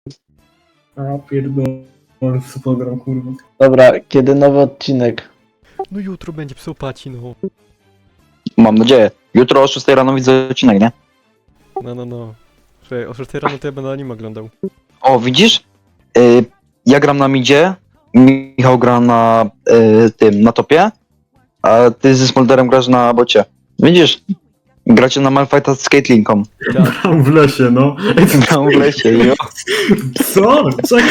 A pierdolę, co program, kurwa. Dobra, kiedy nowy odcinek? No jutro będzie psychopaci, no. Mam nadzieję. Jutro o 6 rano widzę odcinek, nie? No. Słuchaj, o 6 rano to ja będę anime oglądał. O, widzisz? Ja gram na midzie, Michał gra na na topie, a ty ze Smolderem grasz na bocie. Widzisz? Gracie na Malfighta z Caitlynką. Tam w lesie, no. Gram w lesie, jo. Co?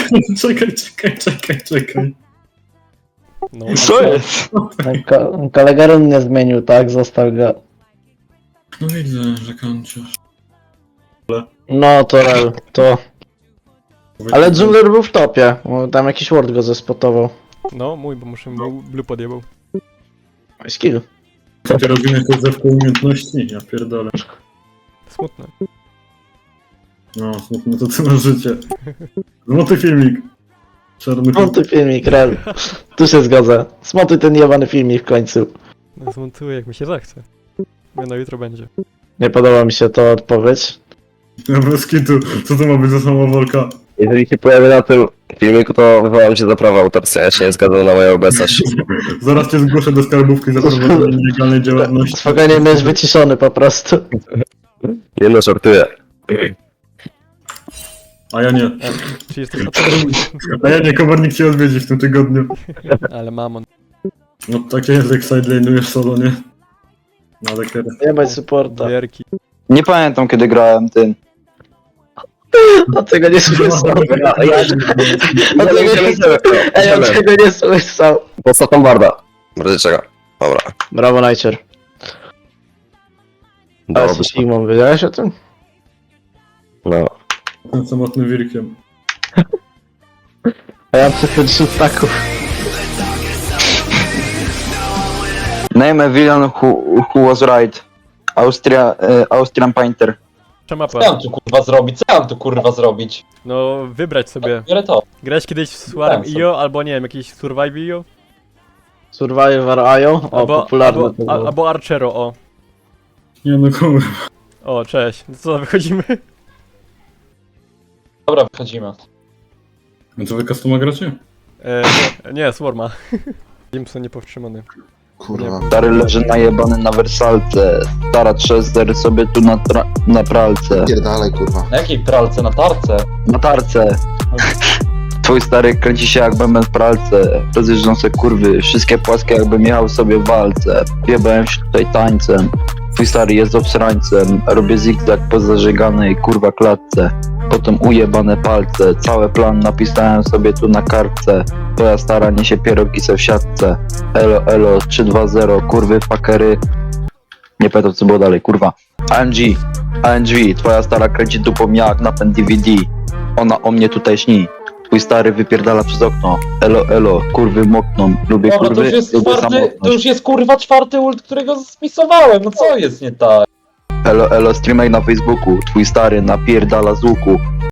Czekaj. No, Co jest? Kolega run nie zmienił, tak? Został go. No widzę, że kończysz. No to rel, to... Ale Dżungler był w topie, bo tam jakiś ward go zespotował. No, mój, bo muszę mu blue podjebał. Skill. Ty robimy to ze umiejętności, ja pierdolę. Smutne. No, smutno to co na życie. Złoty filmik. Czarny film. Smontuj filmik, rel. Tu się zgodzę. Smontuj ten jebany filmik w końcu. No, zmontuję jak mi się zachce. No, jutro będzie. Nie podoba mi się to odpowiedź. Ja bez kitu, co to ma być za samowolka? Jeżeli się pojawię na tym filmiku, to wywołam się za prawa autorskie, ja się nie zgadzam na moją obecność. Zaraz cię zgłoszę do skarbówki za prowadzenie nielegalnej działalności. Spokojnie, będziesz wyciszony po prostu. Nie no, żartuję. A ja nie. Czy jesteś A ja nie, komornik cię odwiedzi w tym tygodniu. Ale mamon. No takie jest jak sidelane'ujesz solo, nie? No ale kiedy? Nie bądź supporta. Wierki. Nie pamiętam kiedy grałem tym. A tego nie słyszał. A tego nie słyszał. Ej, on tego nie słyszał. Podstaw tam barda. Bardzo czeka. Dobra. Brawo, Najcier. A Dałoby jesteś się. Sigmą, wiedziałeś o tym? No. Tym samotnym wirkiem. A ja mam 10 staków. Name a villain who was right. Austrian Painter. Mapa. Co ja mam tu kurwa zrobić? Co ja mam tu kurwa zrobić? No, wybrać sobie. Biorę to. Grałeś kiedyś w Swarm Tak, IO, albo nie wiem, jakiś Survive IO? Survivor IO? O, popularne to było. albo Archero, o. Nie no kurwa. O, cześć. No co, wychodzimy? Dobra, wychodzimy. No to wy customa gracie? Nie, Swarma. Jimson niepowstrzymany. Kurwa. Stary leży najebany na wersalce. Stara trzester sobie tu na pralce. Pierdalej, kurwa. Na jakiej pralce? Na tarce? Na tarce. Twój stary kręci się jak bęben w pralce. Rozjeżdżą se kurwy, wszystkie płaskie jakby jechał sobie w walce. Jebałem się tutaj tańcem. Twój stary jest obsrańcem. Robię zigzag po zażeganej kurwa klatce. Potem ujebane palce. Cały plan napisałem sobie tu na kartce. Twoja stara niesie pierogi se w siatce. Elo 320 kurwy fakery. Nie pamiętam co było dalej, kurwa. ANG, twoja stara kręci dupą jak napęd DVD. Ona o mnie tutaj śni. Twój stary wypierdala przez okno. Elo, kurwy mokną. Lubię Dobra, kurwy, lubię to samotność. już jest kurwa czwarty ult, którego spisowałem. No co jest nie tak? Elo, streamer na Facebooku. Twój stary napierdala z łuku.